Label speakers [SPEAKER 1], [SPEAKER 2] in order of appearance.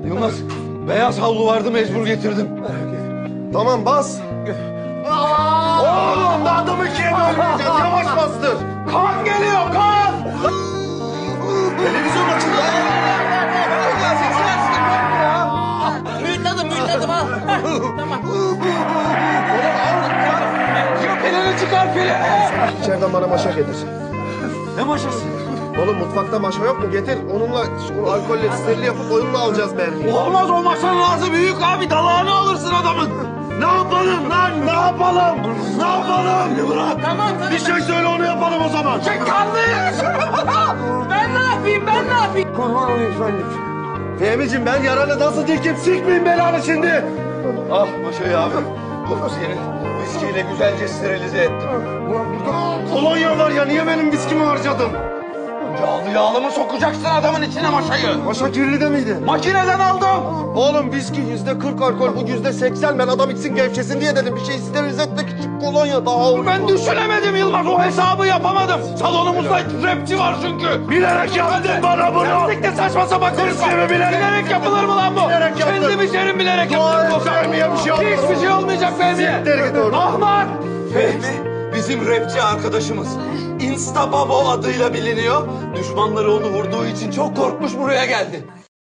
[SPEAKER 1] Yılmaz, beyaz havlu vardı mecbur getirdim.
[SPEAKER 2] Tamam bas. Oğlum da adamı ikiye bölmeyeceğiz. Yavaş bastır.
[SPEAKER 1] Kan geliyor, kan!
[SPEAKER 2] Televizyon açıldı.
[SPEAKER 3] Mühürledim al. Tamam.
[SPEAKER 1] Pilini çıkar, pilini!
[SPEAKER 2] İçeriden bana maşa getir.
[SPEAKER 1] Ne maşası?
[SPEAKER 2] Oğlum mutfakta maşa yok mu? Getir. Onunla şu alkolle sterili yapıp oyunla alacağız mermiyi.
[SPEAKER 1] Olmaz, o maşanın ağzı büyük abi, dalağını alırsın adamın.
[SPEAKER 2] Ne yapalım lan? Ne yapalım? Ne yapalım? Bırak.
[SPEAKER 3] Tamam.
[SPEAKER 2] Bir şey söyle onu yapalım o zaman.
[SPEAKER 1] Kanlıyız!
[SPEAKER 3] Ben ne yapayım?
[SPEAKER 1] Kurban olayım efendim.
[SPEAKER 2] Fehmi'cim ben yaralı nasıl dikim sikmeyin belanı şimdi.
[SPEAKER 1] Ah maşayı abi. Bu seni viskiyle güzelce sterilize ettim.
[SPEAKER 2] Kolonya var ya niye benim viskimi harcadın?
[SPEAKER 1] Yağlı mı sokacaksın adamın içine maşayı?
[SPEAKER 2] Maşa kirli de miydi?
[SPEAKER 1] Makineden aldım.
[SPEAKER 2] Oğlum viski %40 alkol bu %80 ben adam içsin gevşesin diye dedim. Bir şey sterilize etmek için kolonya daha uygun.
[SPEAKER 1] Ben düşünemedim Yılmaz, o hesabı yapamadım. Salonumuzda rapçi var çünkü.
[SPEAKER 2] Bilerek yaptın bana bunu.
[SPEAKER 1] Lastikte saçma sapan konuşma.
[SPEAKER 2] Viski mi bilerek?
[SPEAKER 1] Yapılır mı lan bu?
[SPEAKER 2] Bilerek yaptım.
[SPEAKER 1] Kendi biçerim bilerek
[SPEAKER 2] Dua
[SPEAKER 1] yaptım.
[SPEAKER 2] et Fehmi'ye bir şey olmaz.
[SPEAKER 1] Hiçbir şey olmayacak Fehmi'ye.
[SPEAKER 2] Siktir git oradan.
[SPEAKER 1] Ahmak! Fehmi bizim rapçi arkadaşımız. Insta Babo adıyla biliniyor. Düşmanları onu vurduğu için çok korkmuş buraya geldi.